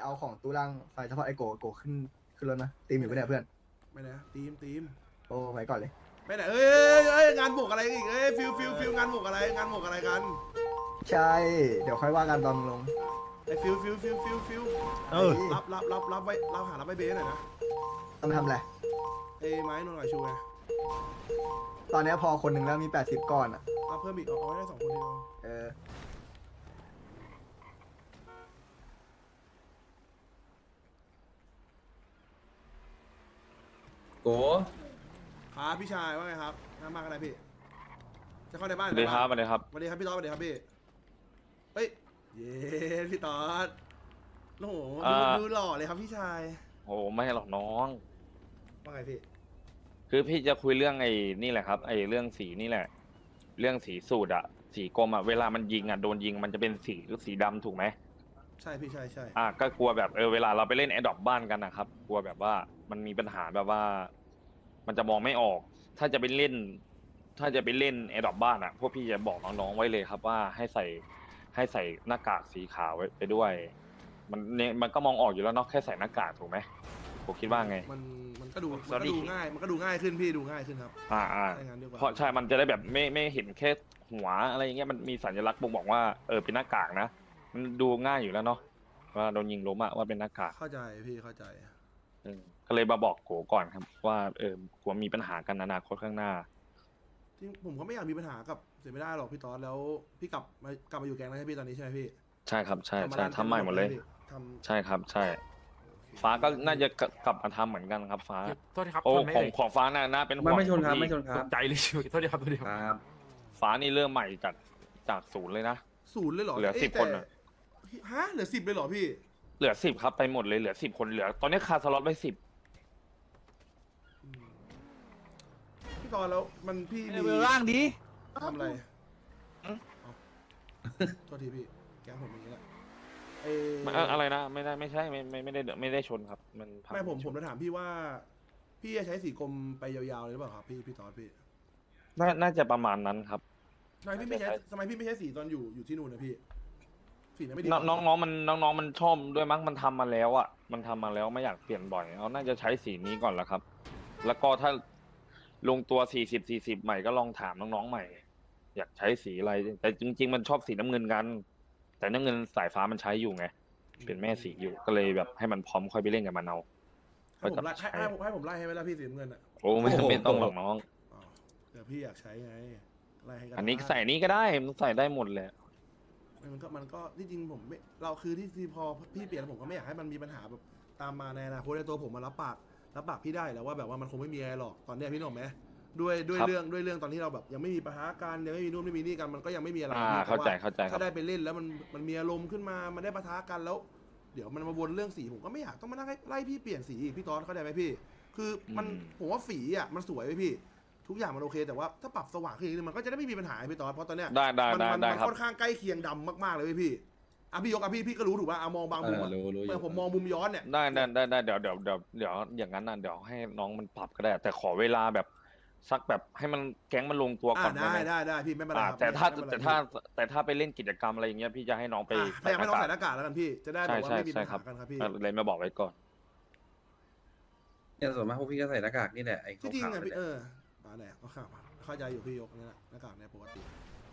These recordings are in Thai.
เอาของตู้ล่างไฟเฉพาะไอโกขึ้นรถนะตีมอยู่ปะเนี่ยเพื่อนไม่นะทีมโอ้ไว้ก่อนเลยไปไหนงานบวกอะไรอีกฟิลงานบวกอะไรงานบวกอะไรกันใช่ เดี๋ยวค่อยว่ากันตอนมึงลงไอ้ฟิลเออรับไว้รับไว้เบสหน่อยนะต้องทำอะไรไอ้ไม้นนท์กับชูไงตอนเนี้ยพอคนหนึ่งแล้วมี80ก้อนอ่ะเอาเพิ่มอีกเอาไว้ได้2 คนทีเดียวเออโกครับพี่ชายว่าไงครับน้ำมากอะไรพี่จะเข้าในบ้านสวัสดีครับสวัสดีครับสวัสดีครับพี่ต๊อดสวัสดีครับพี่เฮ้ยเย้พี่ต๊อดโอ้โหดูหล่อเลยครับพี่ชายโอ้ไม่หรอกน้องว่าไงพี่คือพี่จะคุยเรื่องไอ้นี่แหละครับ ไอ้เรื่องสีนี่แหละ เรื่องสีสูตรอะสีกรมอะเวลามันยิงอะโดนยิงมันจะเป็นสีดำถูกไหมใช่พี่ใช่ก็กลัวแบบเวลาเราไปเล่นแอดดอปบ้านกันนะครับ กลัวแบบว่ามันมีปัญหาแบบว่า มันจะมองไม่ออก ถ้าจะไปเล่นแอดดอปบ้านอะพวกพี่จะบอกน้องๆไว้เลยครับว่าให้ใส่หน้ากากสีขาวไว้ไปด้วย มันก็มองออกอยู่แล้วเนาะแค่ใส่หน้ากากถูกไหมผมคิดว่าไงมันก็ดูง่ายมันก็ดูง่ายขึ้นพี่ดูง่ายขึ้นครับ ใช่งั้นดีกว่าเพราะใช่มันจะได้แบบไม่เห็นแค่หัวอะไรอย่างเงี้ยมันมีสัญลักษณ์บ่งบอกว่าเป็นหน้ากากนะมันดูง่ายอยู่แล้วเนาะว่าโดนยิงล้มอะว่าเป็นหน้ากากเข้าใจพี่เข้าใจก็เลยมาบอกโกก่อนครับว่ากลัวมีปัญหากันอนาคตข้างหน้าจริงผมก็ไม่อยากมีปัญหากับเสียไม่ได้หรอกพี่ต๊อดแล้วพี่กลับมาอยู่แก๊งแล้วใช่พี่ตอนนี้ใช่ไหมพี่ใช่ครับใช่กลับมาใช่ร้านทำใหม่หมดเลยทำใช่ครับใช่ ฟ้าก็น่าจะกลับมาทำเหมือนกันครับฟ้าโทษทีครับโอ้ชนไหมของเอ่ยของฟ้าน่าเป็นห่วงไม่ชนครับพี่ไม่ชนคตรับกใจเลยชิวโทษทีครับโทษทีครับครับฟ้านี่เริ่มใหม่จากศูนย์เลยนะศูนย์เลยเหรอเหลืออ้ย 10คนอะแต่ฮะเหลือ10เลยเหรอพี่เหลือ10ครับไปหมดเลยเหลือ10 คนเหลือ ตอนนี้คาสล็อตไว้10 พี่ตอนแล้วมันพี่มีเวลล่างดีทำอะไรเอาโทษทีพี่แก๊งผมอย่างนี้แหละเออะไรนะไม่ใช่ไม่ได้ชนครับ มันพังไม่ผมจะถามพี่ว่า พี่จะใช้สีกรมไปยาวๆเลยหรือเปล่าครับพี่ตอนพี่น่าจะประมาณนั้นครับทำไมพี่ไม่ใช้สีตอนอยู่ที่นู่นนะพี่สีนั้นไม่ดีน้องมันชอบด้วยมั้งมันทำมาแล้วอ่ะมันทำมาแล้วไม่อยากเปลี่ยนบ่อยเอาน่าจะใช้สีนี้ก่อนละครับ แล้วก็ถ้าลงตัว40ใหม่ก็ลองถามน้องๆใหม่ อยากใช้สีอะไร แต่จริงๆมันชอบสีน้ำเงินกัน แต่น้ำเงินสายฟ้ามันใช้อยู่ไงเป็นแม่สีอยู่ก็เลยแบบให้มันพร้อมค่อยไปเล่นกับมันเอาให้ผมไล่ให้ผมไล่ให้ไหมล่ะพี่สีน้ำเงินอ่ะโอ้ไม่ต้องหรอกน้องอ๋อเดี๋ยวพี่อยากใช้ไงไล่ให้กันอันนี้ใส่นี้ก็ได้มันใส่ได้หมดเลยมันก็ที่จริงผมไม่เราคือที่พอพี่เปลี่ยนผมก็ไม่อยากให้มันมีปัญหาแบบตามมาในอนาคตในตัวผมมารับปากพี่ได้แล้วว่าแบบว่ามันคงไม่มีอะไรหรอกตอนเนี้ยพี่นึกออกไหมด้วยเรื่องตอนที่เราแบบยังไม่มีปัญหาการยังไม่มีนู่นไม่มีนี่กันมันก็ยังไม่มีอะไรพี่เข้าใจแต่ว่ครับถ้าได้ไปเล่นแล้วมันมีอารมณ์ขึ้นมามันได้ปะทะกันแล้ว เดี๋ยวมันมาวนเรื่องสีผมก็ไม่อยากต้องมานั่งไล่พี่เปลี่ยนสีอีกพี่ตอนเข้าใจไหมพี่ คือมันผมว่าฝีอ่ะมันสวยไหมพี่ ทุกอย่างมันโอเคแต่ว่าถ้าปรับสว่างขึ้นอีกนิดมันก็จะได้ไม่มีปัญหาพี่ตอนเพราะตอนเนี้ยได้มันครับค่อนข้างใกล้เคียงดำมากๆเลยพี่พี่ยกพี่ก็รู้ถูกป่ะมองบางมุมอะรู้อยู่ผมมองมุมย้อนเนี่ยได้เดี๋ยวอย่างนั้นนะเดี๋ยวให้น้องมันปรับก็ได้ แต่ขอเวลาแบบสักแบบให้มันแก๊งมันลงตัวก่อนได้ไหมได้พี่ไม่เป็นไรครับแต่ถ้าไปเล่นกิจกรรมอะไรอย่างเงี้ยพี่จะให้น้องไปพยายามไม่ต้องใส่หน้ากากแล้วกันพี่จะได้แบบว่าไม่มีปัญหากันครับพี่เลยมาบอกไว้ก่อนเนี่ยส่วนมากพวกพี่ก็ใส่หน้ากากนี่แหละไอ้ที่จริงขาวอะๆพี่เนี่ยมาไหนก็เข้าใจอยู่พี่ยกนี่แหละหน้ากากเนี่ยปกติ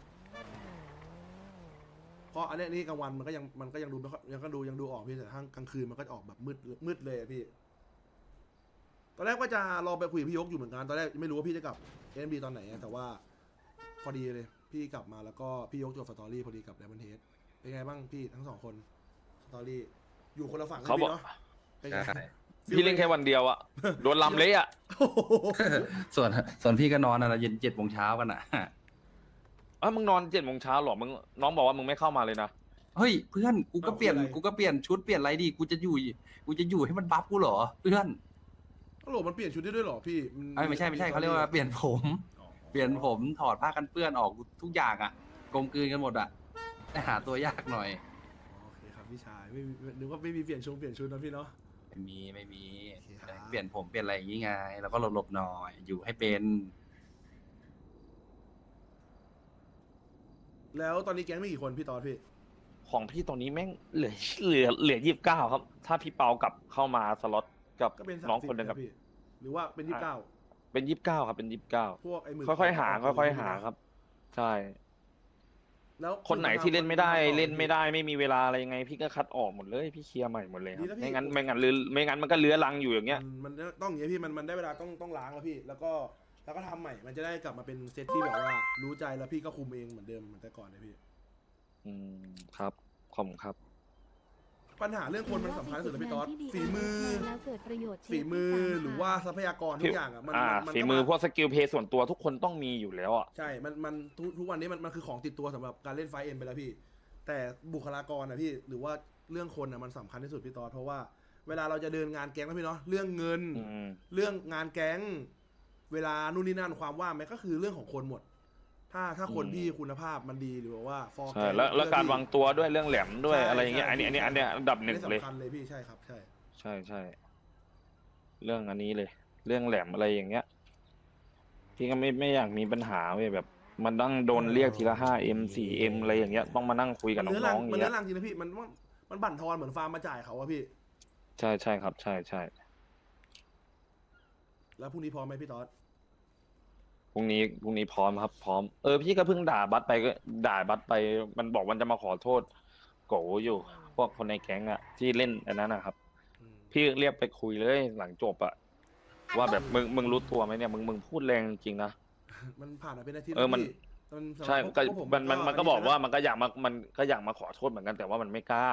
เพราะอันนี้นี่กลางวันมันก็ยังดูไม่ค่อยยังดูออกพี่แต่ถ้ากลางคืนมันก็จะออกแบบมืดเลยอะพี่ตอนแรกว่าจะรอไปคุยกับพี่ยกอยู่เหมือนกันตอนแรกไม่รู้ว่าพี่จะกลับ NB ตอนไหนแต่ว่าพอดีเลยพี่กลับมาแล้วก็พี่ยกจบสตอรี่พอดีกับไดมอนด์เฮดเป็นไงบ้างพี่ทั้ง2 คนสตอรี่อยู่คนละฝั่งเขาบอกเนาะเป็นไงใช่พี่เล่นแค่วันเดียวอะโดนลำเละอะส่วนพี่ก็นอนอะไรเย็น7 โมงเช้ากันอ่ะมึงนอน7 โมงเช้าหรอมึงน้องบอกว่ามึงไม่เข้ามาเลยนะเฮ้ยเพื่อนกูก็เปลี่ยนชุดเปลี่ยนอะไรดีกูจะอยู่ให้มันบัฟกูเหรอเพื่อนตลกมันเปลี่ยนชุดได้ด้วยเหรอพี่ไม่ใช่เขาเรียกว่าเปลี่ยนผมถอดผ้ากันเปื้อนออกทุกอย่างอ่ะกลมกลืนกันหมดอ่ะแต่หาตัวยากหน่อยโอเคครับพี่ชายไม่นึกว่าไม่มีเปลี่ยนชุดนะพี่เนาะไม่มีโอเคครับเปลี่ยนผมเปลี่ยนอะไรอย่างงี้ไงแล้วก็หลบๆหน่อยอยู่ให้เป็นแล้วตอนนี้แก๊งมีกี่คนพี่ตอนพี่ของพี่ตอนนี้แม่งเหลือ29ครับถ้าพี่เปากลับเข้ามาสล็อตกับก็เป็นน้อง 30 คนหนึ่งกับพี่หรือว่าเป็น29 เป็น29ครับเป็น29 พวกไอ้หมึกค่อยๆหาค่อยๆหาครับ ใช่แล้วคนไหนที่เล่นไม่ได้เล่นไม่ได้ไม่มีเวลาอะไรยังไง พี่ก็คัดออกหมดเลยพี่เคลียร์ใหม่หมดเลยครับไม่งั้นมันก็เลื้อรังอยู่อย่างเงี้ยมันต้องอย่างเงี้ยพี่มันได้เวลาต้องล้างแล้วพี่ แล้วก็ทำใหม่มันจะได้กลับมาเป็นเซตที่แบบว่ารู้ใจแล้วพี่ก็คุมเองเหมือนเดิมเหมือนแต่ก่อนเลยพี่ครับขอบคุณครับปัญหาเรื่องคนมันสำคัญที่สุดเลยพี่ต๊อดฝีมือแล้วเกิดประโยชน์ฝีมือหรือว่าทรัพยากรทุกอย่างอ่ะมันฝีมือพวกสกิลเพย์ส่วนตัวทุกคนต้องมีอยู่แล้วอ่ะใช่มันทุกวันนี้มันคือของติดตัวสำหรับการเล่นไฟเอ็มไปแล้วพี่ แต่บุคลากรนะพี่หรือว่าเรื่องคนนะมันสำคัญที่สุดพี่ต๊อดเพราะว่าเวลาเราจะเดินงานแก๊งนะพี่เนาะเรื่องเงิน เรื่องงานแก๊งเวลานู่นนี่นั่นความว่างมันก็คือเรื่องของคนหมด ถ้าคนพี่คุณภาพมันดีหรือว่าฟอร์ใช่แล้วการวางตัวด้วยเรื่องแหลมด้วยอะไรอย่างเงี้ยอันนี้อันดับหนึ่งเลยสำคัญเลยพี่ใช่ครับใช่ใช่เรื่องอันนี้เลย เรื่องแหลมอะไรอย่างเงี้ยพี่ก็ไม่อยากมีปัญหาเว้ยแบบ มันต้องโดนเรียกทีละ5M 4M อะไรอย่างเงี้ยต้องมานั่งคุยกับน้องๆอย่างมันเงี้เนื้อย รังจริงนะพี่มันบั่นทอนเหมือนฟาร์มมาจ่ายเขาอะพี่ใช่ครับใช่แล้วพรุ่งนี้พร้อมไหมพี่ต๊อดพรุ่งนี้พร้อมครับพร้อมพี่ก็เพิ่งด่าบัสไปก็ด่าบัสไปมันบอกมันจะมาขอโทษโกอยู่ พวกคนในแก๊งอะที่เล่นอันนั้นนะครับ พี่เรียกไปคุยเลยหลังจบอะว่าแบบมึงรู้ตัวไหมเนี่ยมึงพูดแรงจริงนะมันผ่านมาเป็นอาทิตย์มันแล้วใช่พี่ก็พวมันก็บอกว่ามันก็อยากมาขอโทษเหมือนกันแต่ว่ามันไม่กล้า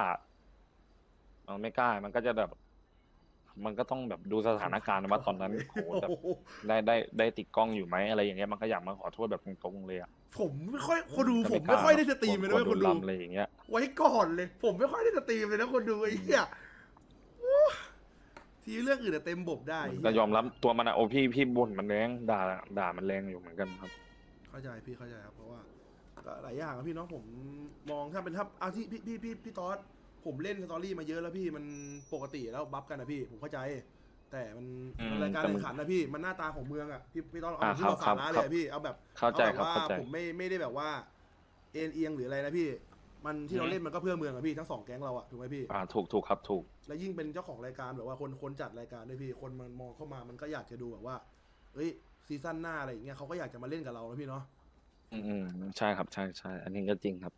มันก็จะแบบ มันก็ต้องแบบดูสถานการณ์ว่าตอนนั้นโหแบบได้ติดกล้องอยู่ไหมอะไรอย่างเงี้ยมันก็อยากมาขอโทษแบบตรงๆเลยอะผมไม่ค่อยคนดูผมไม่ค่อยได้สตรีมเลยนะคนดูลำอะไรอย่างเงี้ยไว้ก่อนเลย ผมไม่ค่อยได้สตรีมเลยนะคนดูไอ้เหี้ยโอ้ทีเรื่องอื่นอะเต็มบบได้ก็ยอมรับตัวมันอะโอ้พี่บ่นมันแรงด่ามันแรงอยู่เหมือนกันครับเข้าใจพี่เข้าใจครับเพราะว่าก็หลายอย่างอะพี่เนาะผมมองถ้าเป็นที่พี่ต๊อดผมเล่นสตอรี่มาเยอะแล้วพี่มันปกติแล้วบัฟกันนะพี่ผมเข้าใจ แต่มันรายการแข่งขันนะพี่มันหน้าตาของเมืองอะพี่ต๊อดเอาที่เราสาระเลยอะพี่เอาแบบเข้าใจเอาครับว่าเข้าใจผมไม่ได้แบบว่าเอ็นเอียงหรืออะไรนะพี่ มันที่เราเล่นมันก็เพื่อเมืองอะพี่ทั้งสองแก๊งเราอะถูกไหมพี่ถูกครับถูกและยิ่งเป็นเจ้าของรายการแบบว่าคนจัดรายการด้วยพี่คนมันมองเข้ามามันก็อยากจะดูแบบว่าเอ้ยซีซั่นหน้าอะไรอย่างเงี้ยเขาก็อยากจะมาเล่นกับเราแล้วพี่เนาะใช่ครับใช่อันนี้ก็จริงครับ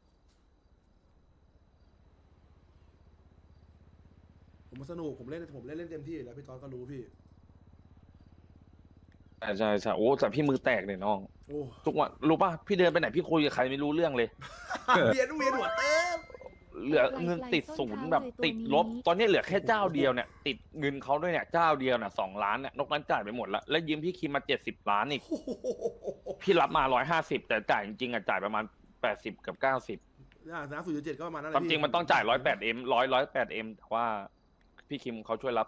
ผมสนุกผมเล่นเต็มที่อยู่แล้วพี่ตอนก็รู้พี่ใช่โอ้แต่พี่มือแตกเลยน้องโอ้ทุกวันรู้ป่ะพี่เดินไปไหนพี่คุยกับใครไม่รู้เรื่องเลยเวียนหัวเต็มเหลือเงินติดศูนย์แบบติดลบ ตอนนี้เหลือแค่เจ้าเดียวเนี่ยติดเงินเขาด้วยเนี่ยเจ้าเดียวเนี่ย2 ล้านเนี่ยนอกนั้นจ่ายไปหมดแล้วแล้วยืมพี่คิมมา70 ล้านอีกพี่รับมา150แต่จ่ายจริงๆอ่ะจ่ายประมาณ80กับ90 นะ0.7ก็ประมาณนั้นแหคละวามจริงมันต้องจ่าย108M 108M แต่ว่าพี่คิมเขาช่วยรับ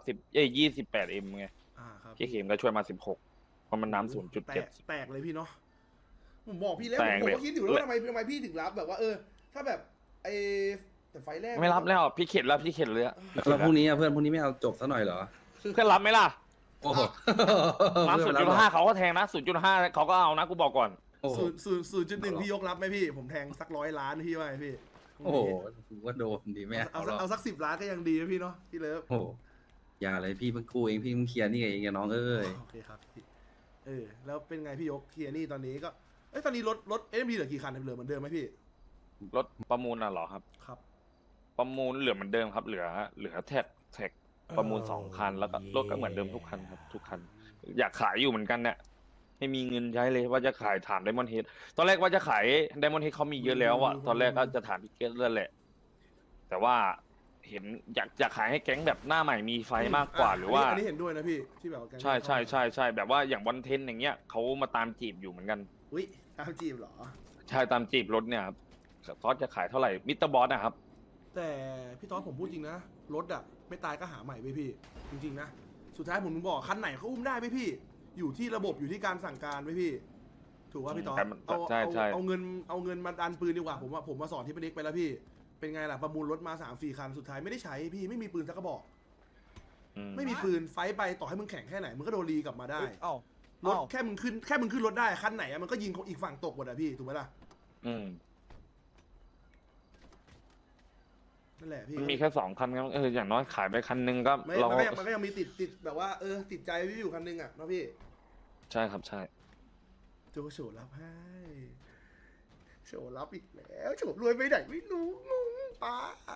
28M ไงครับพี่คิมก็ช่วยมา16เพราะมันน้ำแตกเลยพี่เนาะผมบอกพี่แล้วแตกผมเลยก็คิดอยู่แล้วว่าทำไมพี่ถึงรับแบบว่าถ้าแบบไอแต่ไฟแรกไม่รับแล้วพี่เข็ดเลยอะแล้วพรุ่งนี้พรุ่งนี้ไม่เอาจบซะหน่อยเหรอเพื่อนรับไหมล่ะโอ้โหมา0.5เขาก็แทงนะ0.5เขาก็เอานะกูบอกก่อนโอ้โห 0.1พี่ยกรับไหมพี่ผมแทงสัก100 ล้านพี่ว่าไงพี่โอ้โหกูว่าโดนดีแม่เอาสัก10 ล้านก็ยังดีนะพี่เนาะพี่เลิฟโอ้โหอย่าเลยพี่เพิ่งกู้เองพี่เพิ่งเคลียร์นี่เองน้องเอ้ยโอเคครับพี่แล้วเป็นไงพี่ยกเคลียร์นี่ตอนนี้ก็ตอนนี้รถ SMD เหลือกี่คันเหลือเหมือนเดิมไหมพี่รถประมูลน่ะเหรอครับครับประมูลเหลือเหมือนเดิมครับ เหลือแท็กประมูล2 คันแล้วก็รถก็เหมือนเดิมทุกคันครับทุกคัน อยากขายอยู่เหมือนกันเนี่ยไม่มีเงินใช้เลยว่าจะขายถามไดมอนด์เฮดตอนแรกว่าจะขายไดมอนด์เฮดเขามีเยอะแล้วอะตอนแรกก็จะถามพี่เกตนั่นแหละ แต่ว่าเห็นอยากขายให้แก๊งแบบหน้าใหม่มีไฟมากกว่าหรือว่าอันนี้เห็นด้วยนะพี่ที่แบบว่าแก๊งใช่แบบว่าอย่างวันเทนอย่างเงี้ยเขามาตามจีบอยู่เหมือนกันอุ้ยตามจีบเหรอใช่ตามจีบรถเนี่ยครับซอสจะขายเท่าไหร่มิสเตอร์บอสนะครับแต่พี่ต๊อดผมพูดจริงนะรถอะไม่ตายก็หาใหม่ไปพี่ จริงๆนะสุดท้ายผมบอกคันไหนเขาอุ้มได้ไหมพี่ อยู่ที่ระบบอยู่ที่การสั่งการไหมพี่ ถูกว่าพี่ต๊อดใช่เอาเงินมาดันปืนดีกว่าผมมาสอนที่เป็นเด็กไปแล้วพี่ เป็นไงล่ะประมูลรถมา3-4 คันสุดท้ายไม่ได้ใช้พี่ไม่มีปืนสักกระบอก ไม่มีปืนไฟไปต่อให้มึงแข่งแค่ไหนมึงก็โดนรีกลับมาได้รถแค่มึงขึ้นรถได้คันไหนอะมันก็ยิงอีกฝั่งตกหมดอะพี่ถูกไหมล่ะนั่นแหละพี่มันมีแค่2 คันครับอย่างน้อยขายไปคันนึงก็ไม่เรามันก็ยังมีติดแบบว่าติดใจพี่อยู่คันนึงอ่ะเนาะพี่ใช่ครับใช่โจโฉรับให้โฉรับอีกแล้วโฉรวยไปไหนไม่รู้งงป้า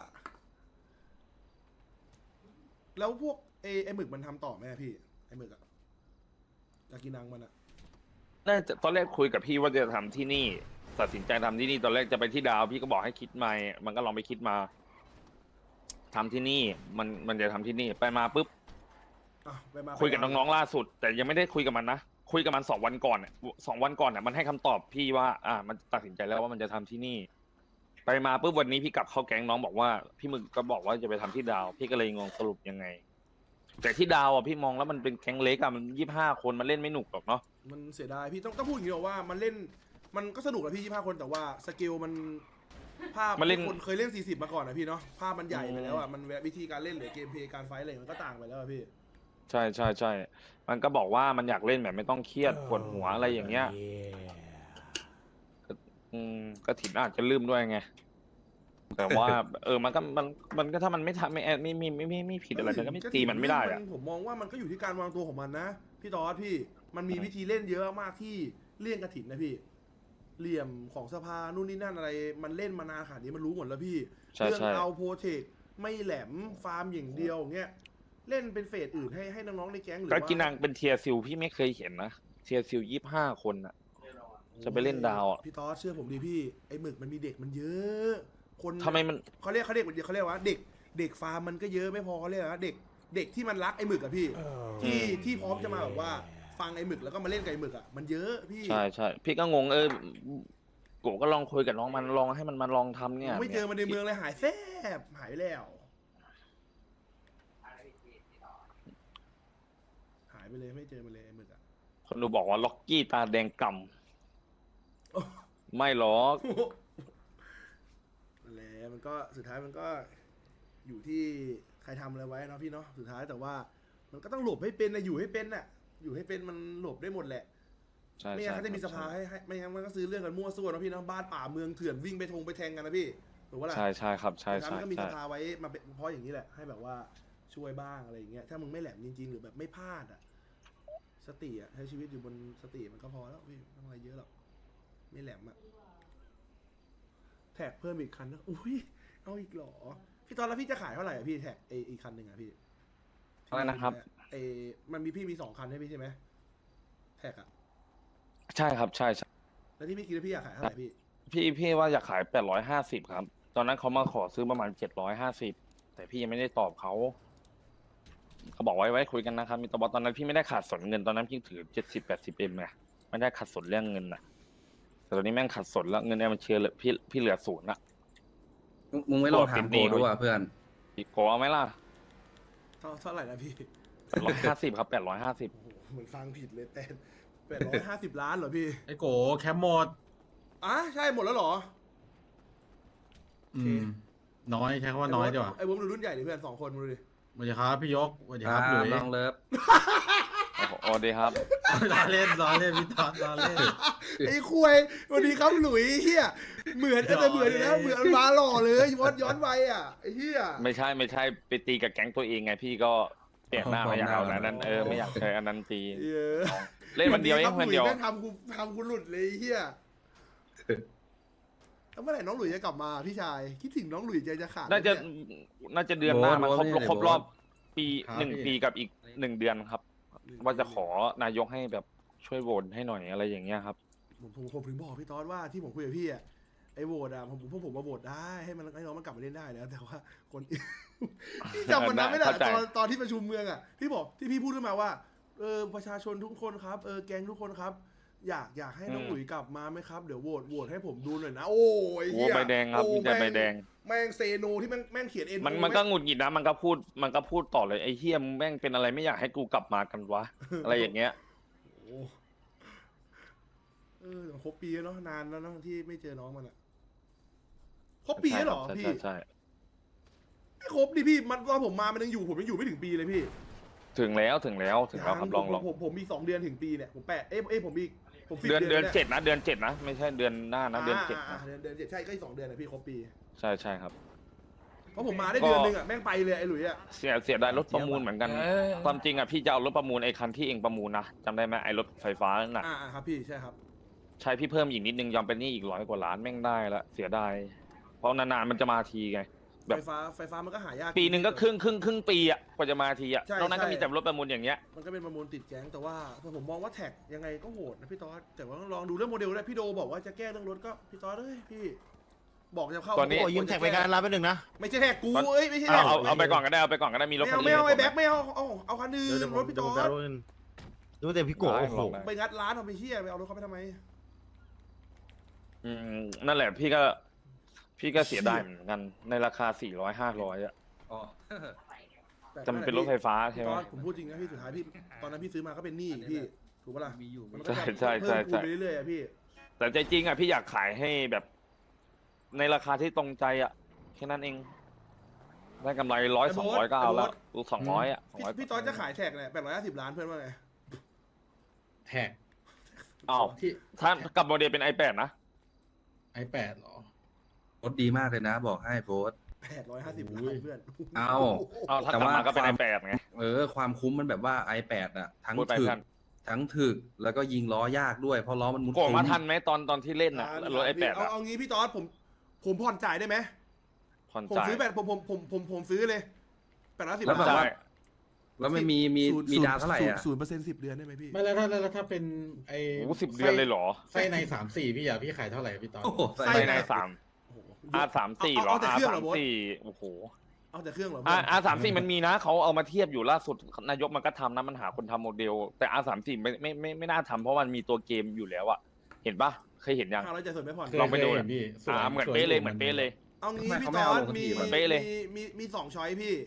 แล้วพวกไอหมึกมันทำต่อไหมอะพี่ไอหมึกอะยากินังมันอะน่าจะตอนแรกคุยกับพี่ว่าจะทำที่นี่ ตัดสินใจทำที่นี่ตอนแรกจะไปที่ดาว พี่ก็บอกให้คิดใหม่มันก็ลองไปคิดมาทำที่นี่มันจะทำที่นี่ไปมาปุ๊บอ่ะไปมาคุยกับน้องๆล่าสุด แต่ยังไม่ได้คุยกับมันนะคุยกับมัน2 วันก่อน2 วันก่อนมันให้คำตอบพี่ว่ามันตัดสินใจแล้วว่ามันจะทำที่นี่ ไปมาปุ๊บวันนี้พี่กลับเข้าแก๊งน้องบอกว่าพี่มึงก็บอกว่าจะไปทำที่ดาว พี่ก็เลยงงสรุปยังไง แต่ที่ดาวพี่มองแล้วมันเป็นแก๊งเล็กมัน25 คนมันเล่นไม่หนุกหรอกเนาะมันเสียดายพี่ต้องพูดอย่างนี้หรอกว่ามันเล่นมันก็สนุกแหละพี่25 คนแต่ว่าสเกลมันภาพมันเล่นคนเคยเล่น40มาก่อนนะพี่เนาะภาพมันใหญ่ไปแล้วอะมันวิธีการเล่นหรือเกมเพลย์การไฟท์อะไรมันก็ต่างไปแล้วอะพี่ใช่ใช่ใช่มันก็บอกว่ามันอยากเล่นแบบไม่ต้องเครียดปวดหัวอะไรอย่างเงี้ยก็ถิ่นอาจจะลืมด้วยไง แต่ว่า มันก็ถ้ามันไม่ทำไม่ผิดอะไรมันก็ไม่ตีมันไม่ได้อะผมมองว่ามันก็อยู่ที่การวางตัวของมันนะพี่ตอสพี่มันมีวิธีเล่นเยอะมากที่เลี่ยงกระถิ่นนะพี่เหลี่ยมของสภานู่นนี่นั่นอะไรมันเล่นมานานขนาดนี้มันรู้หมดแล้วพี่ใช่เรื่องใช่เอาโปรเทคไม่แหลมฟาร์มอย่างเดียวอย่างเงี้ยเล่นเป็นเฟสอื่นให้น้องๆในแก๊งหรือก็ว่ากินังเป็นเทียร์ซิลพี่ไม่เคยเห็นนะเทียร์ซิล25 คนอะ จะไปเล่นดาวอะพี่ตอสเชื่อผมดิพี่ไอ้หมึกมันมีเด็กมันเยอะคนทำไมมันเขาเรียกว่าเด็กฟาร์มมันก็เยอะไม่พอเขาเรียกว่าเด็กที่มันรักไอ้หมึกอะพี่ที่พร้อมจะมาแบบว่าฟังไอ้หมึกแล้วก็มาเล่นกับไอ้หมึกอะมันเยอะพี่ใช่ใช่พี่ก็งงกูก็ลองคุยกับน้องมันลองให้มันมาลองทำเนี่ยไม่เจอมันในเมืองเลยหายแซบหายไปแล้วหายไปเลยไม่เจอมันเลยไอ้หมึกอะคนดูบอกว่าล็อกกี้ตาแดงกำไม่หรอกนั่นแหละมันก็สุดท้ายมันก็อยู่ที่ใครทำอะไรไว้เนาะพี่เนาะสุดท้ายแต่ว่ามันก็ต้องหลบให้เป็นนะอยู่ให้เป็นน่ะอยู่ให้เป็นมันหลบได้หมดแหละใช่ไม่งั้นใช่เขาจะมีสภาให้ไม่งั้นมันก็ซื้อเรื่องกันมั่วซั่วเนาะพี่เนาะบ้านป่าเมืองเถื่อนวิ่งไปแทงกันนะพี่ถูกปะล่ะใช่ใช่ครับใช่สุดท้ายใช่มันก็มีสใช่ภาไว้มาเป็นเพราะอย่างนี้แหละให้แบบว่าช่วยบ้างอะไรอย่างเงี้ยถ้ามึงไม่แหลมจริงๆหรือแบบไม่พลาดอ่ะสติอ่ะใช้ชีวิตอยู่บนสติมันก็พอแล้วพี่ไม่ต้องอะไรเยอะหรอกไม่แหลมอ่ะแท็กเพิ่มอีกคันนะอุ้ยเอาอีกเหรอพี่ตอนแล้วพี่จะขายเท่าไหร่อ่ะพี่แท็กอีกคันหนึ่งอ่ะพี่อะไรนะครับมันมีพี่มี2 คันใช่ไหมใช่ไหมแท็กอ่ะใช่ครับใช่ใช่แล้วที่พี่คิดว่าพี่อยากขายเท่าไหร่พี่พี่ว่าอยากขาย850ครับ ตอนนั้นเขามาขอซื้อประมาณ750แต่พี่ยังไม่ได้ตอบเขาบอกไว้คุยกันนะครับมีตอนนั้นพี่ไม่ได้ขาดสนเงินตอนนั้นพี่ถือ70-80Mไงไม่ได้ขาดสนเรื่องเงินนะแต่ตอนนี้แม่งขาดสนแล้วเงินในบัญชีเหลือพี่เหลือ0ละมึงไม่ลองถามโกดูอ่ะเพื่อนพี่โกเอาไหมล่ะเท่าไหร่นะพี่ 850ครับ850 โอ้โหเหมือนฟังผิดเลยแต่850 ล้านเหรอพี่ไอ้โกแคปหมดใช่หมดแล้วเหรออืม น้อยใช้คำว่าน้อยดีกว่าไอ้วงดูรุ่นใหญ่ดิเพื่อน2 คนมาดูดิสวัสดีครับพี่ยกสวัสดีครับหลุยน้องเลิฟโอ้ดีครับล้อเล่นพี่ตอนล้อเล่นไอ้คุยสวัสดีครับหลุยเฮียเหมือนแต่เหมือนอยู่นะเหมือนมาหล่อเลยย้อนไปอ่ะไอ้เฮียไม่ใช่ไปตีกับแก๊งตัวเองไงพี่ก็เปลี่ยนหน้าไม่อยากเอาอันนั้นไม่อยากใช้อันนั้นตี เล่นวันเดียวเองวันเดียวแม่งทำกูหลุดเลยไอ้เฮียแล้วเมื่อไหร่น้องหลุยจะกลับมาพี่ชายคิดถึงน้องหลุยใจจะขาดน่าจะเดือนหน้ามันครบรอบปีครับ 1 ปีกับอีก1 เดือนครับ ว่าจะขอนายกให้แบบช่วยโหวตให้หน่อยอะไรอย่างเงี้ยครับผมถึงบอกพี่ตอสว่าที่ผมคุยกับพี่อ่ะไอ้โหวตอ่ะผมมาโหวตได้ให้น้องมันกลับมาเล่นได้นะแต่ว่าคนพี่จำวันนั้นไม่ได้เข้าใจตอนที่ประชุมเมืองอ่ะที่บอกที่พี่พูดขึ้นมาว่าประชาชนทุกคนครับแก๊งทุกคนครับ อยากให้น้องหลุยกลับมาไหมครับเดี๋ยวโหวตให้ผมดูหน่อยนะโอ้ยโอ้ใบแดงครับมีแต่ใบแดงแม่งเซโนที่แม่งเขียนเอ็นมันก็หงุดหงิดนะมันก็พูดต่อเลยไอ้เฮียมึงแม่งเป็นอะไรไม่อยากให้กูกลับมากันวะ อะไรอย่างเงี้ยครบปีแล้วเนาะนานแล้วเนาะที่ไม่เจอน้องมันอ่ะครบปีแล้วเหรอพี่ใช่ไม่ครบดิพี่มันตอนผมมามันยังอยู่ผมยังอยู่ไม่ถึงปีเลยพี่ถึงแล้วครับลองผมมี2 เดือนถึงปีเนี่ยผมผมอีกผม10 เดือนเดือน 7นะเดือน7นะไม่ใช่เดือนหน้านะเดือน7นะเดือน7ใช่ก็อีก2 เดือนนะพี่ครบปีใช่ครับเพราะผมมาได้เดือนนึงอ่ะแม่งไปเลยไอ้หลุยอ่ะเสียดายรถประมูลเหมือนกัน ความจริงอ่ะพี่จะเอารถประมูลไอ้คันที่เองประมูลนะจำได้ไหมไอ้รถไฟฟ้านั่นน่ะครับพี่ใช่ครับใช้พี่เพิ่มอีกนิดนึงยอมเป็นหนี้อีก100 กว่าล้านแม่งได้ละเสียดายเพราะนานๆมันจะมาทีไง แบบไฟฟ้ามันก็หายากปีหนึ่งก็ครึ่งปีอ่ะกว่าจะมาทีอ่ะใช่นอกนั้นก็ใช่มีแต่รถประมูลอย่างเงี้ยมันก็เป็นประมูลติดแก๊งแต่ว่าผมมองว่าแท็กยังไงก็โหดนะพี่ต๊อดแต่ว่าต้องลองดูเรื่องโมเดลด้วยพี่โดบอกว่าจะแก้เรื่องรถก็พี่ต๊อดเอ้ยพี่บอกจะเข้าตอนนี้โอ้ยยืมแท็กไปการรับไปหนึ่งนะไม่ใช่แท็กกูเอ้ยไม่ใช่แท็กเอาไปก่อนก็ได้เอาไปก่อนก็ได้มีรถคันไม่นี้เอาไอ้แบ็คไม่เอาเอาคันอื่นเดี๋ยวรถพี่เดี๋ยวต๊ผอมจะดเอาเงินดูแต่พี่โกะได้โอ้โหลองได้ไปงัดร้านเอาไปเฮียไปเอารถเขาไปทำไมนั่นแหละพี่ก็เสียดายเหมือนกันในราคา400-500อ่ะอ๋อแต่มันเป็นรถไฟฟ้าใช่ไหมพี่ต๊อดผมพูดจริงนะพี่สุดท้ายพี่ตอนนั้นพี่ซื้อมาก็เป็นหนี้พี่ถูกปะล่ะมีอยู่มันก็จะใช่เพิ่มคูณไปเรื่อยๆอะพี่แต่ใจจริงอ่ะพี่อยากขายให้แบบ ในราคาที่ตรงใจอ่ะแค่นั้นเอง ได้กำไร100-200ก็เอาแล้ว200อ่ะพี่ต๊อดจะขายแท็กเนี่ย850 ล้านเพื่อนว่าไงแท็กอ้าวที่ถ้ากับโมเดลเป็น iPad นะ iPad เหรอโพสต์ดีมากเลยนะ บอกให้โพสต์ 850 ล้านเพื่อนเอาเอาถ้ากลับมาก็เป็น iPad ไงความคุ้มมันแบบว่า iPad อ่ะ ทั้งพูดไปถึกท่านทั้งถึกแล้วก็ยิงล้อยากด้วยเพราะล้อมันมุดโกงมาซุ้ทันไหมตอนที่เล่นน่ะรถ iPad อ่ะเอางี้พี่ต๊อดผมผ่อนจ่ายได้ไหมผ่อนผมจ่ายซื้อผมซื้อเลย850 แล้วแบบล้านว่า แล้วมันมีดาวเท่าไหร่อ่ะ 0% 10 เดือนได้ไหมพี่ไม่แล้วถ้าเป็นไอ้โอ้โห10 เดือนเลยเหรอไส้ใน3-4พี่อ่ะพี่ขายเท่าไหร่พี่ตอนโอ้โหไส้ไปในในR34เหรอเอาแต่เครื่องเหรอโบ๊ท R34โอ้โหเอาแต่เครื่องเหรอ R34มันมีนะเขาเอามาเทียบอยู่ล่าสุดนายกมันก็ทำนะมันหาคนทำโมเดล แต่ R34ไม่น่าทำเพราะมันมีตัวเกมอยู่แล้วอะเห็นปะเคยเห็นยัง 500จ่ายส่วนไม่ผ่อนลองไปดูเคยเห็นพี่สวยเหมือนสวยเป๊ะเลยอยู่เหมือนเป๊ะเลยเอางี้ไม่พี่เขาไม่ต๊อเอาดลงทีมีเหมือนเป๊ะเลยมี2ช้อยพี่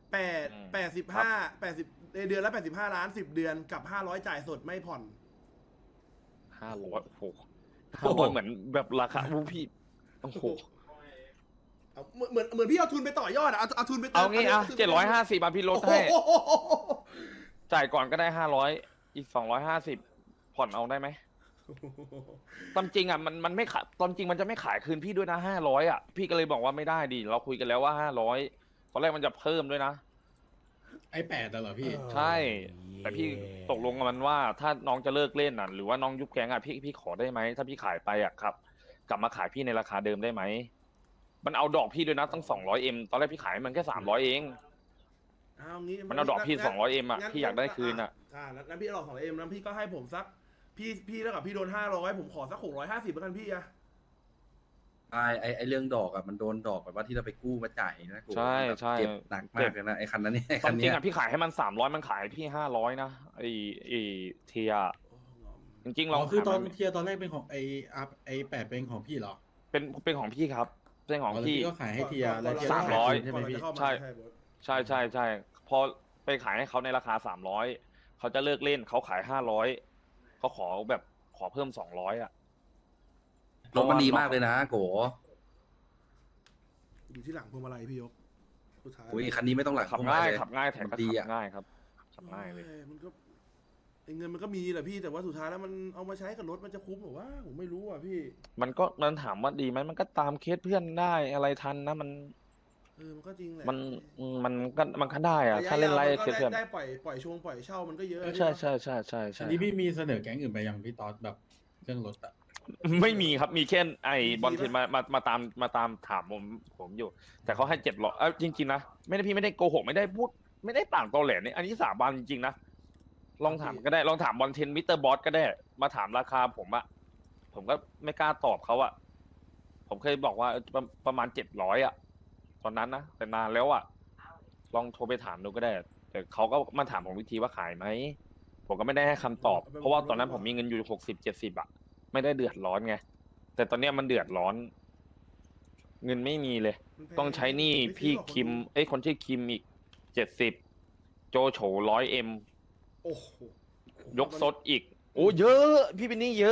85 เดือนละ85 ล้าน10 เดือนกับ500จ่ายสดไม่ผ่อน 500โอ้โห500เหมือนแบบราคาวูพี่โอ้โหเอาเหมือนพี่เอาทุนไปต่อยอดอะเอาทุนไปเอางี้อ่ะ750บาทพี่ลดให้โอ้โหจ่ายก่อนก็ได้500อีก250ผ่อนเอาได้ไหมตามจริงอ่ะมันไม่ขายตอนจริงมันจะไม่ขายคืนพี่ด้วยนะ500อ่ะพี่ก็เลยบอกว่าไม่ได้ดิเราคุยกันแล้วว่า500ตอนแรกมันจะเพิ่มด้วยนะ iPad เหรอพี่ใช่ แต่พี่ตกลงกับมันว่าถ้าน้องจะเลิกเล่นอ่ะหรือว่าน้องยุบแก๊งอ่ะพี่ขอได้ไหมถ้าพี่ขายไปอ่ะครับ กลับมาขายพี่ในราคาเดิมได้ไหมมันเอาดอกพี่ด้วยนะตั้ง200M ตอนแรกพี่ขายมันแค่300เองเอางี้มันเอาดอกพี่200M อ่ะพี่อยากได้คืนอ่ะงั้นพี่เอาดอก200Mแล้วพี่ก็ให้ผมสักพี่แล้วกับพี่โดน500ผมขอสัก650แล้วกันพี่อะไอเรื่องดอกอ่ะมันโดนดอกแบบว่าที่เราไปกู้มาจ่ายนะกูใช่ใช่เจ็บหนักมากเลยนะไอคันนั้นเนี่ยไอตคัอน นจริเนี้งยอ่ะพี่ขายให้มัน300มันขายพี่500นะไอ้เทียจริงๆเราคือตอนขายมันเทียร์ตอนแรกเป็นของไอ้8เป็นของพี่เหรอเป็นของพี่ครับเป็นของแล้วพี่พี่ก็ขายให้เทียร์แล้วเทียร์ 300 ใช่ไหมพี่ใช่ ใช่พอไปขายให้เขาในราคา300เขาจะเลิกเล่นเขาขาย500เขาขอแบบขอเพิ่ม200อ่ะรถมันดีมากเลยนะโกอยู่ที่หลังพวงมาลัยพี่ยกสุดท้ายอุ้ยคันนี้ไม่ต้องหลักขับพวงง่ายมเลขับง่ายแถมก็ดีขัอ่ะบง่ายครับขับง่ายเลยมันก็ไอ้เงินมันก็มีแหละพี่แต่ว่าสุดท้ายแล้วมันเอามาใช้กับรถมันจะคุ้มหรือว่าผมไม่รู้อ่ะพี่มันถามว่าดีไหมมันก็ตามเคสเพื่อนได้อะไรทันนะมันมันก็จริงแหละมันก็ได้อะถ้าเล่นไล่เคสเพื่อนได้ปล่อยช่วงปล่อยเช่ามันก็เยอะใช่อันนี้พี่มีเสนอแก๊งอื่นไปยังพี่ตอดแบบเรื่องรถอะไม่มีครับมีแค่ไอ้บอลเทนมาตามถามผมอยู่ แต่เขาให้700จริงๆนะพี่ไม่ได้โกหกไม่ได้พูดไม่ได้ปากตอแหลเนี่ยอันนี้สาบานจริงๆนะลองถามก็ได้ลองถามบอลเทนมิสเตอร์บอสก็ได้มาถามราคาผมอะผมก็ไม่กล้าตอบเขาอะผมเคยบอกว่าประมาณ700อะตอนนั้นนะแต่นานแล้วอะลองโทรไปถามดูก็ได้ แต่เขาก็มาถามผมวิธีว่าขายไหมผมก็ไม่ได้ให้คำตอบ เพราะว่าตอนนั้นผมมีเงินอยู่60-70อะไม่ได้เดือดร้อนไงแต่ตอนเนี้ยมันเดือดร้อน เงินไม่มีเลย ต้องใช้หนี้พี่คิมคนชื่อคิมอีก70โจโฉ100M โอ้โหยกซดอีก โอ้เยอะ พี่เป็นหนี้เยอะ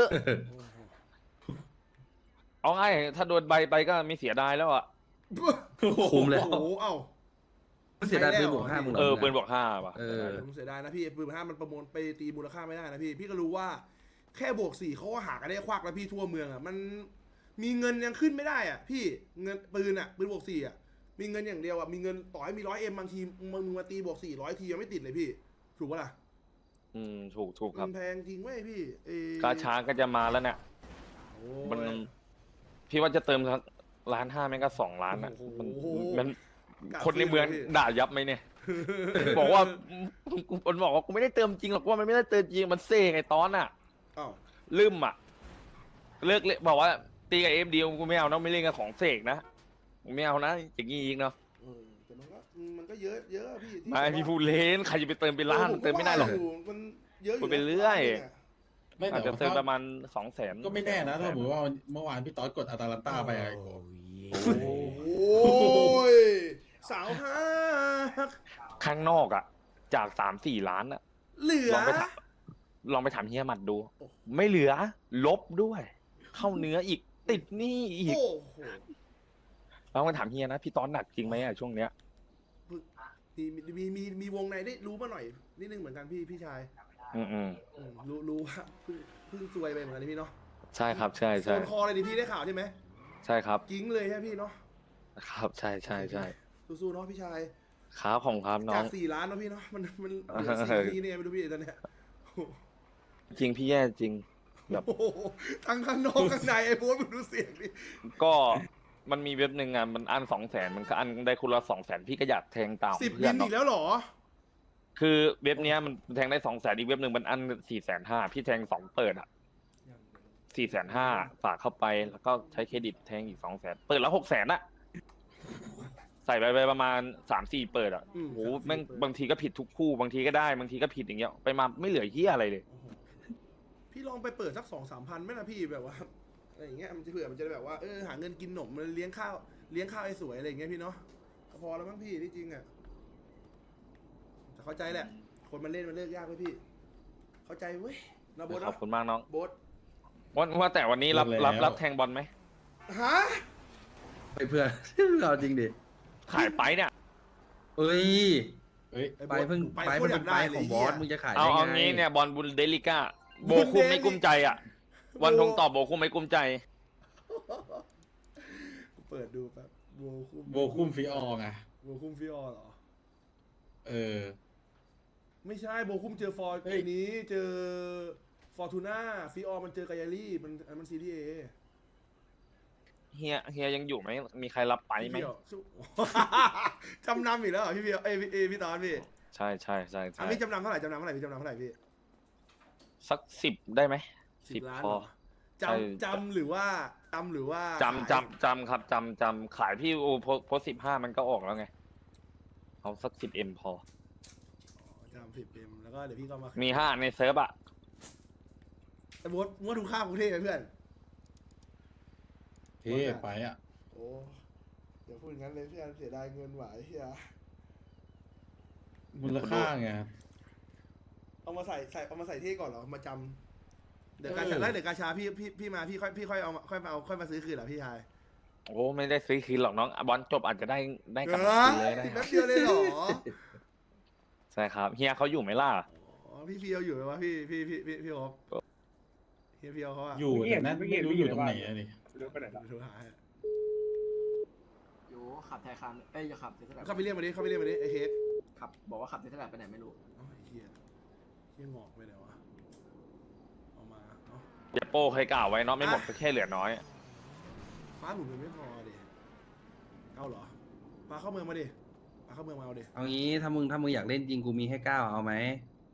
เอาง่ายถ้าโดนใบไปก็ไม่เสียดายแล้วอ่ะคุ้มเลยโอ้โหเอ้าเสียดายปืนบวก5มึงเหรอปืนบอก5ว่ะผมเสียดายนะพี่ปืน5มันประมูลไปตีมูลค่าไม่ได้นะพี่ก็รู้ว่าแค่บวก4เขาก็หากันได้ควักแล้วพี่ทั่วเมืองอ่ะมันมีเงินยังขึ้นไม่ได้อ่ะพี่เงินปืนบวก4อ่ะมีเงินอย่างเดียวอ่ะมีเงินต่อให้มี100M บางทีมึงมาตีบวก400ทียังไม่ติดเลยพี่ถูกปะล่ะถูกครับมันแพงจริงเว้ยพี่กาชาก็จะมาแล้วเนี่ยโอ้มันยพี่ว่าจะเติมสัก1.5 แม่งก็2 ล้านอ่ะโอ้โหมันกะคนในเมืองซื้อเลยพี่ด่ายับไหมเนี่ย บอกว่ามันบอกว่ากูไม่ได้เติมจริงหรอกว่ามันไม่ได้เติมจริงมันเซ่ไงตอนอ่ะอ้าวลืมอ่ะ เลิกเลยบอกว่าตีกับFDกูไม่เอานะไม่เล่นกับของเสกนะไม่เอานะอย่างงี้อีกเนาะแต่มันก็เยอะเยอะอะพี่ที่ไม่พี่พูดเล่นใครจะไปเติมเป็นล้านผเติมไม่ได้หรอกว่ายู่มันเยอะอยู่พูดไปเรื่อยนี่ไม่อาจแต่จะเติมว่าประมาณ200,000 ก็ไม่แน่นะถ้าสมมติว่าเมื่อวานพี่ต๊อดกดอาตาลันต้าไปอะโอ้ยสาวฮักข้างนอกอ่ะ จาก3-4 ล้านอ่ะเหลือลองไปถามเฮียหมัดดูโอ้ไม่เหลือ ลบด้วย เข้าเนื้ออีกติดหนี้อีกโอ้โหลองไปถามเฮียนะพี่ตอนหนักจริงไหมอ่ะช่วงเนี้ยมีวงในได้รู้มาหน่อยนิดนึงเหมือนกันพี่ชายอืมรู้ว่าเพิ่งซวยไปเหมือนกันนี่พี่เนาะใช่ครับ ใช่โซใช่นคอเลยดิพี่ได้ข่าวใช่ไหมใช่ครับกิ้งเลยใช่ไหมพี่เนาะครับใช่ใช่ใช่สู้ๆเนาะพี่ชายครับของครับน้อจาง ก4 ล้านเนาะพี่เนาะมันเหลือ4 ทีเนี่ยไม่รู้พี่ตอนเนี้ยจริงพี่แย่จริง แบบโอ้โหทั้งข้างนอกข้างในไอ้โบ๊ทมึงดูเสียงดิก็มันมีเว็บหนึ่งอ่ะมันอัน200,000มันก็อันได้คุณละ200,000พี่ก็อยากแทงตาม 10 เพื่บิอนนเนาะอีกแล้วเหรอคือเว็บเนี้ยมันแทงได้200,000อีกเว็บหนึ่งมันอัน450,000พี่แทง2เปิดอ่ะ450,000ฝากเข้าไปแล้วก็ใช้เครดิตแทงอีก200,000เปิดแล้ว600,000อ่ะใส่ไปประมาณ3-4เปิดอ่ะอืมโอ้ 3-4 แม่งเปิดบางทีก็ผิดทุกคู่บางทีก็ได้บางทีก็ผิดอย่างเงี้ยไปมาไม่เหลือเหี้ยอะไรเลยโอ้โหพี่ลองไปเปิดสัก2-3 พันไหมล่ะพี่แบบว่าอะไรอย่างเงี้ยมันจะเผื่อมันจะได้แบบว่าหาเงินกินหนมมันเลี้ยงข้าวไอ้สวยอะไรอย่างเงี้ยพี่เนาะก็พอแล้วมั้งพี่ที่จริงอ่ะแต่เข้าใจแหละ คนมันเล่นมันเลิกยากเลยพี่ เข้าใจเว้ยนะโบ๊ทขอบเนาะคุณมากน้องโบ๊ทว่าแต่วันนี้รับแทงบอลไหมฮะไปเพื่อน เราจริงดิขายไปเนี่ยเอ้ยเอ้ยไอ้ไปโบ๊ทเพิ่งไปไปโคเพิ่ตรง อยากไปได้ขเลองยบอสเหี้ยมึงจะขายเอาได้เอาไงงี้เนี่ยบอลบุนเดลิก้าโบบุนคุมเดลิไม่กุ้มใจอ่ะ วันทงต่อโบคุมไม่กุ้มใจเปิดดูแป๊บโบคุมโบคุ้มฟีออไงโบคุมฟิออเหรอเออไม่ใช่โบคุมเจอฟอร์เฮ้ยปีนี้เจอฟอร์ตูน่าฟิออมันเจอกายาลี่มันซีรีส์เอเฮียยังอยู่ไหมมีใครรับไปไหมพี่เพียวสู้ จำนำอีกแล้วเหรอพี่เพียวพี่ตอนพี่ใช่ใช่ใช่อัใช่นนี้จำนำเท่าไหร่พี่จำนำเท่าไหร่พี่สัก10ได้ไหม 10 ล้านพอเหรอจำหรือว่าจำครับจำขายพี่โอโพส15มันก็ออกแล้วไงเอาสัก10M พอจำ10M แล้วก็เดี๋ยวพี่ก็มามี5ในเซิร์ฟอ่ะไอ้โบ๊ทมึงว่าถูกค่ากรุงเทพไหมเพื่อนเท่ไปอ่ะโอ้อย่าพูดงั้นเลยเพื่อนเสียดายเงินหวายเฮียมูลค่าไงเอามาใส่เท่ก่อนเหรอมาจำเดี๋ยวกาชาแล้วเดี๋ยวกาชาพี่มาพี่ค่อยเอาค่อยมาซื้อคืนเหรอพี่ชายโอ้ไม่ได้ซื้อคืนหรอกน้องบอลจบอาจจะได้กลับเอมาอคืนเลยได้คแป๊รับบ เดียวเลยเหรอใช่ครับเฮียเขาอยู่ไหมล่ะอ๋อพี่เฟียวอยู่ไหมวะพี่โอ๊คเฮียเฟียวเขาอะอยู่แต่นั้นไม่รู้อยู่ตรงไหนอะดิเดี๋ยวโทรหาให้อยู่ขับไทยคันเอ้ยอย่าขับเทสลาเข้าไปเรียกมาดิไอ้เค้กขับบอกว่าขับเทสลาไปไหนไม่รู้เอ้าไอ้เฮียงอกไปไหนวะเอามาเอ้าเดี๋ยวโป้เคยกล่าวไว้เนาะไม่หมดก็แค่เหลือน้อยฟ้าหมุนมันไม่พอดิเอาเหรอปลาเข้าเมืองมาดิปลาเข้าเมืองมาเอาดิเอางี้ถ้ามึงอยากเล่นจริงกูมีให้9เอาไหม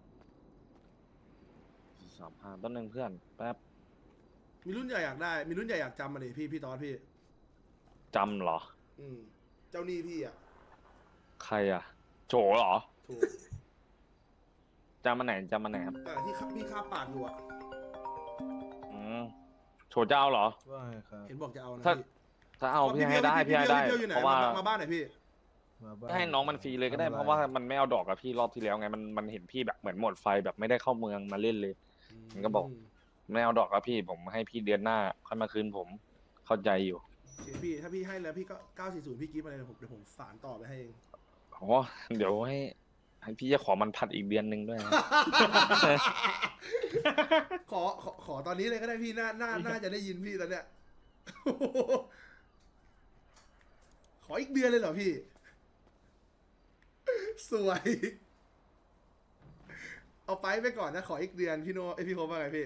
35ต้นหนึ่งเพื่อนแป๊บมีรุ่นใหญ่อยากได้ มีรุ่นใหญ่อยากจำมาดิพี่ตอนพี่จำเหรอเจ้าหนี้พี่อะใครอ่ะโจเหรอถูกจำมาไหนครับที่พี่คาบปากอยู่อะโฉเจ้าเหรอว่าไงครับเห็นบอกจะเอานะถ้าพี่ถ้าเอาพี่ให้ได้พี่ให้ได้พี่อยู่ไหนเพราะว่ามาบ้านไหนพี่มาบ้านให้น้องมันฟรีเลยก็ได้ทำอเพราะว่ามันไม่เอาดอกกับพี่รอบที่แล้วไงมันเห็นพี่แบบเหมือนหมดไฟแบบไม่ได้เข้าเมืองมาเล่นเลย มันก็บอก ไม่เอาดอกกับพี่ผมให้พี่เดือนหน้าค่อยมาคืนผมเข้าใจอยู่โอเคพี่ถ้าพี่ให้แล้วพี่ก็940พี่กิฟต์มาเลยเดี๋ยวผมสานต่อไปให้เองอ๋อเดี๋ยวให้พี่จะขอมันผัดอีกเดือนหนึ่งด้วยนะขอตอนนี้เลยก็ได้พี่น่าจะได้ยินพี่ตอนเนี้ย ขขออีกเดือนเลยเหรอพี่ สวย เอาไปก่อนนะขออีกเดือนพี่โนไอยพี่โคว่าไงพี่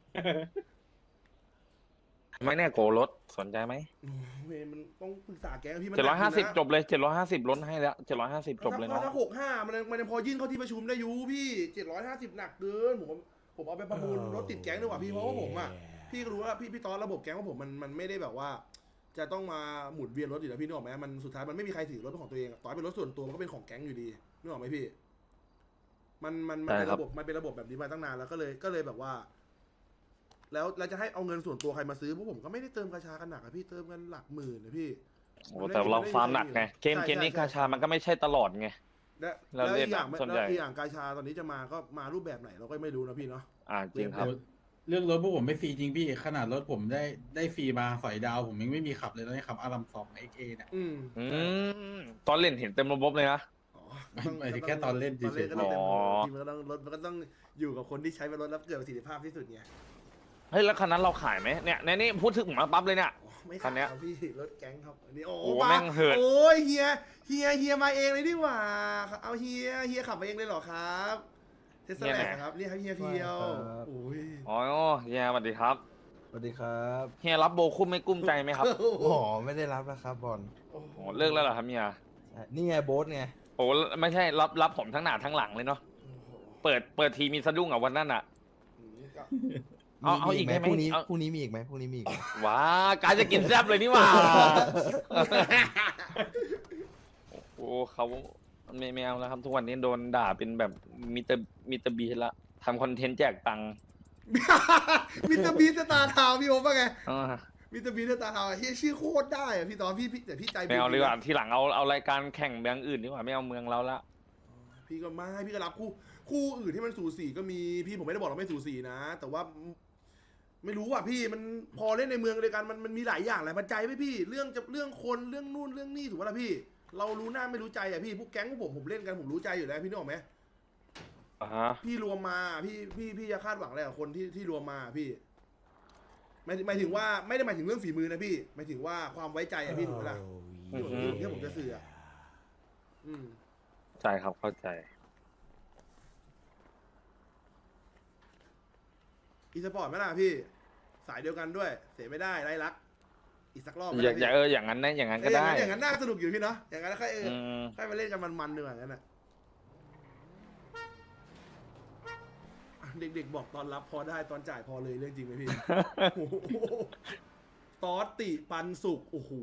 ไม่แน่โกรถสนใจไหมโอ้เว้ยมันต้องปรึกษาแกพี่มัน 750จบเลย750ลดให้แล้ว750จบเลยเนาะถ้า65มันยังพอยื่นเข้าที่ประชุมได้อยู่พี่750หนักเกินผมเอาไปประมูลรถติดแก๊งดีกว่าพี่เพราะว่าผมอ่ะพี่ก็รู้ว่าพี่ตอนระบบแก๊งของผมมันไม่ได้แบบว่า จะต้องมาหมุนเวียนรถอยู่แล้วพี่นึกออกไหมมันสุดท้ายมันไม่มีใครถือรถเป็นของตัวเองต่อให้เป็นรถส่วนตัวมันก็เป็นของแก๊งอยู่ดีนึกออกไหมพี่มันเป็นระบบมันเป็นระบบแบบนี้มาตั้งนานแล้วก็เลยแบบว่า แล้วจะให้เอาเงินส่วนตัวใครมาซื้อเพราะผมก็ไม่ได้เติมกาชากันหนักอะพี่เติมกันหลักหมื่นนะพี่โอ้แต่เราฟาร์มหนักไงเกมนี้กาชามันก็ไม่ใช่ตลอดไงแล้วเราเรียอีกกอย่างส่วนใหญ่แล้วอีกอย่างกาชาตอนนี้จะมาก็มารูปแบบไหนเราก็ไม่รู้นะพี่เนาะจริงครับเรื่องรถพวกผมไม่ฟรีจริงพี่ขนาดรถผมได้ฟรีมาสอยดาวผมยังไม่มีขับเลยตอนนี้ขับอารัม2 XA เนี่ยตอนเล่นเห็นเต็มระบบเลยนะอ๋อหมายถึงแค่ตอนเล่นเฉยๆตอนเล่นก็ต้องเต็มอ๋อทีมมันก็ต้องรถมันก็ต้องอยู่กับคนที่ใช้เป็นรถแล้วเกิดประสิทธิภาพที่สุดไงเฮ้ยแล้วคันนั้นเราขายไหมเนี่ยในนี้พูดถึงมาปั๊บเลยเนี่ยอ๋อไม่คัขานเนี้ยยครับพี่รถแก๊งครับอันนี้โอ้โอ้มาแม่งเหินโอ้ยเฮียมาเองเลยดีกว่าเอาเฮียขับมาเองเลยเหรอครับเทสลาครับนี่ครับเฮียเพียวโอ้ยอ๋อเฮียสวัสดีครับสวัสดีครับเฮียรับโบคุ้มไม่กุ้มใจไหมครับโอ้โหไม่ได้รับนะครับบอลโอ้โหโอ้เลิกแล้วเหรอครับเฮียนี่ไงโบ๊ทไงโอ้ไม่ใช่รับผมทั้งหน้าทั้งหลังเลยเนาะเปิดทีมีสะดุ้งอ่ะวันนั้นอ่ะ เอาอีกได้ไหมพรุ่งนี้เอาพรุ่งนี้มีอีกไหมพรุ่งนี้มีอีกไหมว้าการจะกินแซ่บเลยนี่หว่า โอ้เขาไม่เอาแล้วครับ ทุกวันนี้โดนด่าเป็นแบบมิเตอร์บีละทำคอนเทนต์แจกตังค์มิสเตอร์บีสตาร์ทาวน์พี่โอ๊คว่าไงอ่ามิสเตอร์บีสตาร์ทาวน์เฮียชื่อโคตรได้อะพี่ตอนพี่แต่พี่ใจไม่เอาดีกว่าทีหลังเอารายการแข่งเมืองอื่นดีกว่าไม่เอาเมืองเราละพี่ก็ไม่พี่ก็รับคู่อื่นที่มันสูสีก็มีพี่ผมไม่ได้บอกเราไม่สูสีนะ แต่ว่า ไม่รู้อ่ะพี่มันพอเล่นในเมืองเดียวกันมันมีหลายอย่างหลายปัจจัยไหมพี่เรื่องคนเรื่องนู่นเรื่องนี่ถูกป่ะล่ะพี่ เรารู้หน้าไม่รู้ใจอ่ะพี่พวกแก๊งพวกผมเล่นกันผมรู้ใจอยู่แล้วพี่นึกออกไหมอ่าฮะพี่รวมมาพี่จะคาดหวังอะไรกับคนที่รวมมาพี่หมายถึงว่าไม่ได้หมายถึงเรื่องฝีมือนะพี่หมายถึงว่าความไว้ใจอะพี่ถูกป่ะล่ะที่ผมจะสื่ออ่ะใจครับเข้าใจอีสปอร์ตไหมล่ะพี่ สายเดียวกันด้วย เสียไม่ได้ไรลัก อีกสักรอบไหมอย่าล่ะอย่าพี่อย่างนั้นนะอย่างนั้นเอก็ออย่างได้นั้นอย่างนั้นน่าสนุกอยู่พี่เนาะอย่างนั้นค่อยมค่อยมาเล่นกันมันๆดีกว่างั้นน่ะเด็กๆบอกตอนรับพอได้ตอนจ่ายพอเลยเรื่องจริงไหมพี่ โอ้โหตอสติปันสุกโอ้โห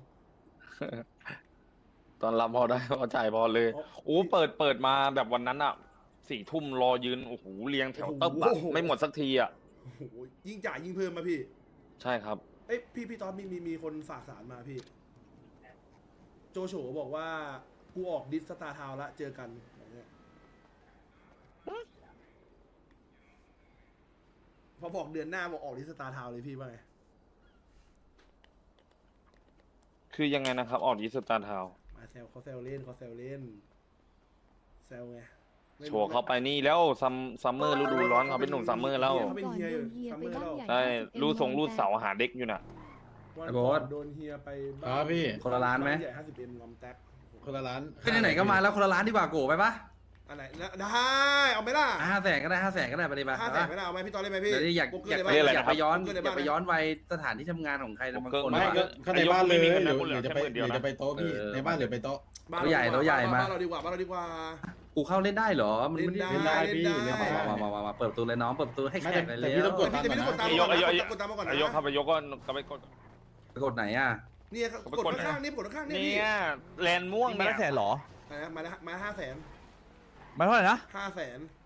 ตอนรับพอได้พอจ่ายพอเลยอ๋อโอ้เปิดมาแบบวันนั้นอ่ะ4 ทุ่มรอยืนโอ้โหเรียงแถวตึ๊บอะโอ้โหไม่หมดสักทีอ่ะโอ้โหยิ่งจ่ายยิ่งเพิ่มมาพี่ใช่ครับเอ้ยพี่ตอนมีคนฝากสารมาพี่ โจโฉบอกว่ากูออกดิสสตาร์ทาวน์ละเจอกันอย่างเงี้ยพอบอกเดือนหน้าบอกออกดิสสตาร์ทาวน์เลยพี่ว่าไงคือยังไงนะครับ ออกดิสตาร์ทาวมาแซวเขาแซวเล่นแซวไงไม่โชรู้ว์เข้าไปนี่แล้วซัมเมอร์ฤดูร้อนเขาเป็นหนุ่มซัมเมอร์แล้วเขาเป็นเฮียอยู่ซัมเมอร์แล้วใช่รูดเสาหาเด็กอยู่น่ะวันไอ้โบ๊ก่อทนโดนเฮียไปครับพี่คนละร้านไหมใหญ่50M งอมแท็กคนละร้านก็ไหนๆก็มาแล้วคนละร้านดีกว่าโกไปปะอันไหนได้เอาไหมล่ะ 500,000ก็ได้500,000ก็ได้ไปดิปะ 500,000ไม่ได้เอาไหมพี่ตอนเล่นไหมพี่เดี๋ยวอยากโป๊กเกอยากร์ไปในบ้นเรียกอะไรอยากนะครัไปบย้อนโป๊กเกอร์ในอยากไปบ้านย้อนวัยสถานที่ทำงานของใครบางคนไม่ไม่ก็ก็ในบ้านเลยไม่มีหเงินนะรือกูเหลือจะแค่ไปหมื่นเดียวหรือนะจะไปโต๊ะพี่ในบ้านหรือไปโต๊ะบ้านตัวใหญ่ตัวใหญ่มาบ้านเราดีกว่าบ้านเราดีกว่ากูเข้าเล่นได้เหรอมันเล่นไม่ได้พี่เล่นเล่นได้ได้มาเปิดประตูเลยน้องเปิดประตูให้แขกเลยแต่เร็พี่วต้องกดแต่พี่ต้องกดตามไอ้ยกมาก่อนไอ้ยกนะกดตามมาก่อนนะไายกครับไายกก็ไปกดไปกดไหนอ่ะเนี่ยครับกดข้างๆนี่กดข้างๆนี่เนี่พี่ยแลนม่วงมาเนี่ละแสยนเหรอมา500,000 มาเท่าไหร่นะ 500,000